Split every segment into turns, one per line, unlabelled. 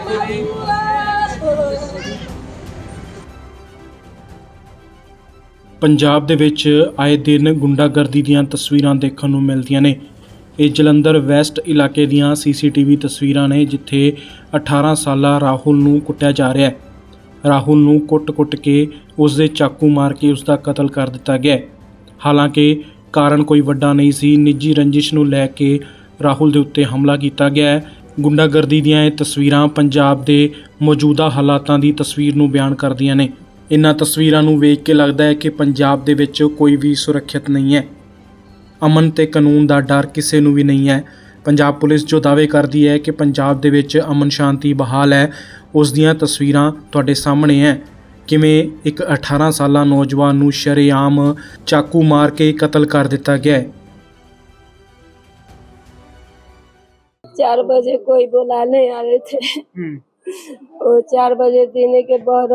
ਪੰਜਾਬ ਦੇ ਵਿੱਚ ਆਏ ਦਿਨ ਗੁੰਡਾਗਰਦੀ ਦੀਆਂ ਤਸਵੀਰਾਂ ਦੇਖਣ ਨੂੰ ਮਿਲਦੀਆਂ ਨੇ। ਇਹ ਜਲੰਧਰ ਵੈਸਟ ਇਲਾਕੇ ਦੀਆਂ ਸੀਸੀਟੀਵੀ ਤਸਵੀਰਾਂ ਨੇ, ਜਿੱਥੇ 18 ਸਾਲਾ ਰਾਹੁਲ ਨੂੰ ਕੁੱਟਿਆ ਜਾ ਰਿਹਾ ਹੈ। ਰਾਹੁਲ ਨੂੰ ਕੁੱਟ-ਕੁੱਟ ਕੇ ਉਸ ਦੇ ਚਾਕੂ ਮਾਰ ਕੇ ਉਸ ਦਾ ਕਤਲ ਕਰ ਦਿੱਤਾ ਗਿਆ। ਹਾਲਾਂਕਿ ਕਾਰਨ ਕੋਈ ਵੱਡਾ ਨਹੀਂ ਸੀ, ਨਿੱਜੀ ਰੰਜਿਸ਼ ਨੂੰ ਲੈ ਕੇ ਰਾਹੁਲ ਦੇ ਉੱਤੇ ਹਮਲਾ ਕੀਤਾ ਗਿਆ ਹੈ। ਗੁੰਡਾਗਰਦੀ ਦੀਆਂ ਇਹ ਤਸਵੀਰਾਂ ਪੰਜਾਬ ਦੇ ਮੌਜੂਦਾ ਹਾਲਾਤਾਂ ਦੀ ਤਸਵੀਰ ਨੂੰ ਬਿਆਨ ਕਰਦੀਆਂ ਨੇ। ਇਨ੍ਹਾਂ ਤਸਵੀਰਾਂ ਨੂੰ ਵੇਖ ਕੇ ਲੱਗਦਾ ਹੈ ਕਿ ਪੰਜਾਬ ਦੇ ਵਿੱਚ ਕੋਈ ਵੀ ਸੁਰੱਖਿਅਤ ਨਹੀਂ ਹੈ। ਅਮਨ ਤੇ ਕਾਨੂੰਨ ਦਾ ਡਰ ਕਿਸੇ ਨੂੰ ਵੀ ਨਹੀਂ ਹੈ। ਪੰਜਾਬ ਪੁਲਿਸ ਜੋ ਦਾਅਵੇ ਕਰਦੀ ਹੈ ਕਿ ਪੰਜਾਬ ਦੇ ਵਿੱਚ ਅਮਨ ਸ਼ਾਂਤੀ ਬਹਾਲ ਹੈ, ਉਸ ਦੀਆਂ ਤਸਵੀਰਾਂ ਤੁਹਾਡੇ ਸਾਹਮਣੇ ਹੈ। ਕਿਵੇਂ ਇੱਕ 18 ਸਾਲਾ ਨੌਜਵਾਨ ਨੂੰ ਸ਼ਰੇਆਮ ਚਾਕੂ ਮਾਰ ਕੇ ਕਤਲ ਕਰ ਦਿੱਤਾ ਗਿਆ ਹੈ।
4 बजे कोई बुलाने आ रहे थे। वो 4 बजे देने के बाद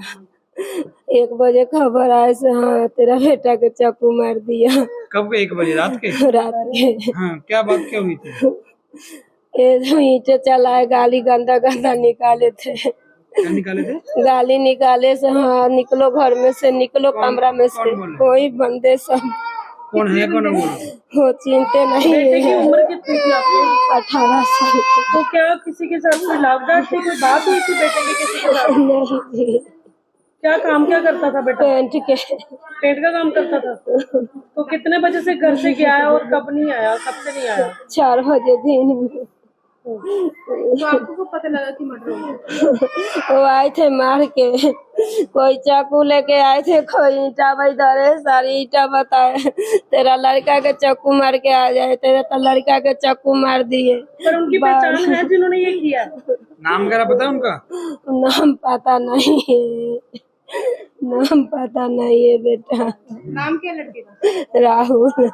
1 बजे खबर आए से हाँ तेरा बेटा के चाकू मार दिया।
कब 1 बजे रात के?
रात के।
हाँ, क्या बात क्या हुई थी?
ये ईंटे चलाए, गाली गंदा गंदा निकाले थे।
क्या निकाले थे?
गाली निकाले से हाँ निकलो घर में से, निकलो कमरा में से। कोई बंदे सब
कौन है कौन है
वो चिंते नहीं
बेटे की
है।
उम्र कितनी थी आपकी?
18 साल की।
तो क्या किसी के साथ कोई लाभदार थी, कोई बात हुई थी बेटे की किसी के साथ?
नहीं जी,
क्या काम क्या करता था बेटा?
पेंट के।
पेंट का काम करता था। तो कितने बजे से घर से गया है और कब नहीं आया, कब से नहीं आया?
4 बजे दिन में।
तो आपको कब पता लगा कि मर्डर हो गया?
वो आए थे मार के, कोई चाकू लेके आए थे, कोई ईंटा धरे, सारी ईंटा बताए तेरा लड़का के चाकू मार के आ जाए, तेरा तो लड़का के चाकू मार दिए।
पर उनकी पहचान है जिन्होंने ये किया?
नाम वगैरह पता है उनका?
नाम पता नहीं है, नाम पता नहीं है बेटा।
नाम क्या लड़के का?
राहुल।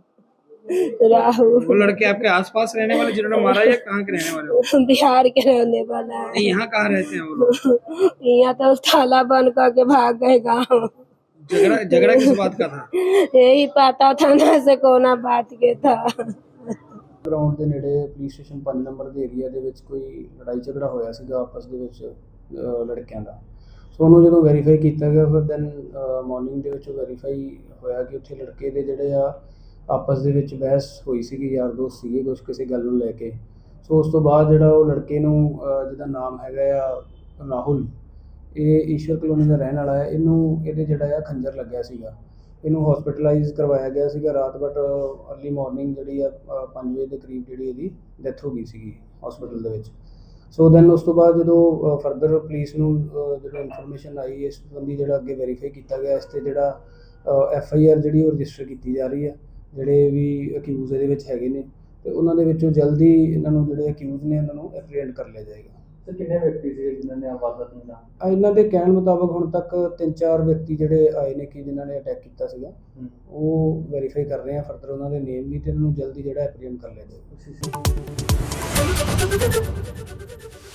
राहुल
वो लड़के आपके आसपास रहने वाले जिन्होंने मारा या कहाँ के रहने वाले हो?
बिहार के रहने वाला है।
नहीं, यहाँ कहाँ रहते हैं वो लोग?
यहाँ तो ताला बंद करके भाग गए गाँव।
झगड़ा किस बात का था?
यही पता था ना से कोना बात के था।
ਗਰਾਊਂਡ ਦੇ ਨੇੜੇ ਪੁਲਿਸ ਸਟੇਸ਼ਨ 5 ਨੰਬਰ ਦੇ ਏਰੀਆ ਦੇ ਵਿੱਚ ਕੋਈ ਲੜਾਈ ਝਗੜਾ ਹੋਇਆ ਸੀਗਾ ਆਪਸ ਦੇ ਵਿੱਚ ਲੜਕਿਆਂ ਦਾ। ਸੋ ਉਹਨੂੰ ਜਦੋਂ ਵੈਰੀਫਾਈ ਕੀਤਾ ਗਿਆ ਫਿਰ ਦੈਨ ਮਾਰਨਿੰਗ ਦੇ ਵਿੱਚ ਵੈਰੀਫਾਈ ਹੋਇਆ ਕਿ ਉੱਥੇ ਲੜਕੇ ਦੇ ਜਿਹੜੇ ਆ ਆਪਸ ਦੇ ਵਿੱਚ ਬਹਿਸ ਹੋਈ ਸੀਗੀ, ਯਾਰ ਦੋਸਤ ਸੀਗੇ ਕੁਛ ਕਿਸੇ ਗੱਲ ਨੂੰ ਲੈ ਕੇ। ਸੋ ਉਸ ਤੋਂ ਬਾਅਦ ਜਿਹੜਾ ਉਹ ਲੜਕੇ ਨੂੰ ਜਿਹਦਾ ਨਾਮ ਹੈਗਾ ਆ ਰਾਹੁਲ, ਇਹ ਈਸ਼ਵਰ ਕਲੋਨੀ ਦਾ ਰਹਿਣ ਵਾਲਾ ਹੈ। ਇਹਦੇ ਜਿਹੜਾ ਆ ਖੰਜਰ ਲੱਗਿਆ ਸੀਗਾ, ਇਹਨੂੰ ਹਸਪੀਟਲਾਈਜ਼ ਕਰਵਾਇਆ ਗਿਆ ਸੀਗਾ ਰਾਤ, ਬਟ ਅਰਲੀ ਮਾਰਨਿੰਗ ਜਿਹੜੀ ਆ 5 ਵਜੇ ਦੇ ਕਰੀਬ ਜਿਹੜੀ ਇਹਦੀ ਡੈਥ ਹੋ ਗਈ ਸੀਗੀ ਹਸਪੀਟਲ ਦੇ ਵਿੱਚ। ਸੋ ਦੈਨ ਉਸ ਤੋਂ ਬਾਅਦ ਜਦੋਂ ਫਰਦਰ ਪੁਲਿਸ ਨੂੰ ਜਦੋਂ ਇਨਫੋਰਮੇਸ਼ਨ ਆਈ ਇਸ ਸੰਬੰਧੀ ਜਿਹੜਾ ਅੱਗੇ ਵੈਰੀਫਾਈ ਕੀਤਾ ਗਿਆ, ਇਸ 'ਤੇ ਜਿਹੜਾ FIR ਜਿਹੜੀ ਉਹ ਰਜਿਸਟਰ ਕੀਤੀ ਜਾ ਰਹੀ ਹੈ। ਜਿਹੜੇ ਵੀ ਅਕਿਊਜ਼ ਇਹਦੇ ਵਿੱਚ ਹੈਗੇ ਨੇ ਤੇ ਉਹਨਾਂ ਦੇ ਵਿੱਚੋਂ ਜਲਦੀ ਇਹਨਾਂ ਨੂੰ ਜਿਹੜੇ ਅਕਿਊਜ਼ ਨੇ ਉਹਨਾਂ ਨੂੰ ਐਪਰੀਹੈਂਡ ਕਰ ਲਿਆ ਜਾਏਗਾ।
ਸਰ ਕਿੰਨੇ ਵਿਅਕਤੀ ਸੀ ਜਿਨ੍ਹਾਂ ਨੇ ਵਾਰਦਾਤ ਨੂੰ ਅੰਜਾਮ?
ਇਹਨਾਂ ਦੇ ਕਹਿਣ ਮੁਤਾਬਕ ਹੁਣ ਤੱਕ 3-4 ਵਿਅਕਤੀ ਜਿਹੜੇ ਆਏ ਨੇ ਕਿ ਜਿਨ੍ਹਾਂ ਨੇ ਅਟੈਕ ਕੀਤਾ ਸੀਗਾ, ਉਹ ਵੈਰੀਫਾਈ ਕਰ ਰਹੇ ਆ ਫਰਦਰ ਉਹਨਾਂ ਦੇ ਨੇਮ ਵੀ, ਤੇ ਇਹਨਾਂ ਨੂੰ ਜਲਦੀ ਜਿਹੜਾ ਐਪਰੀਹੈਂਡ ਕਰ ਲਿਆ ਜਾਏਗਾ।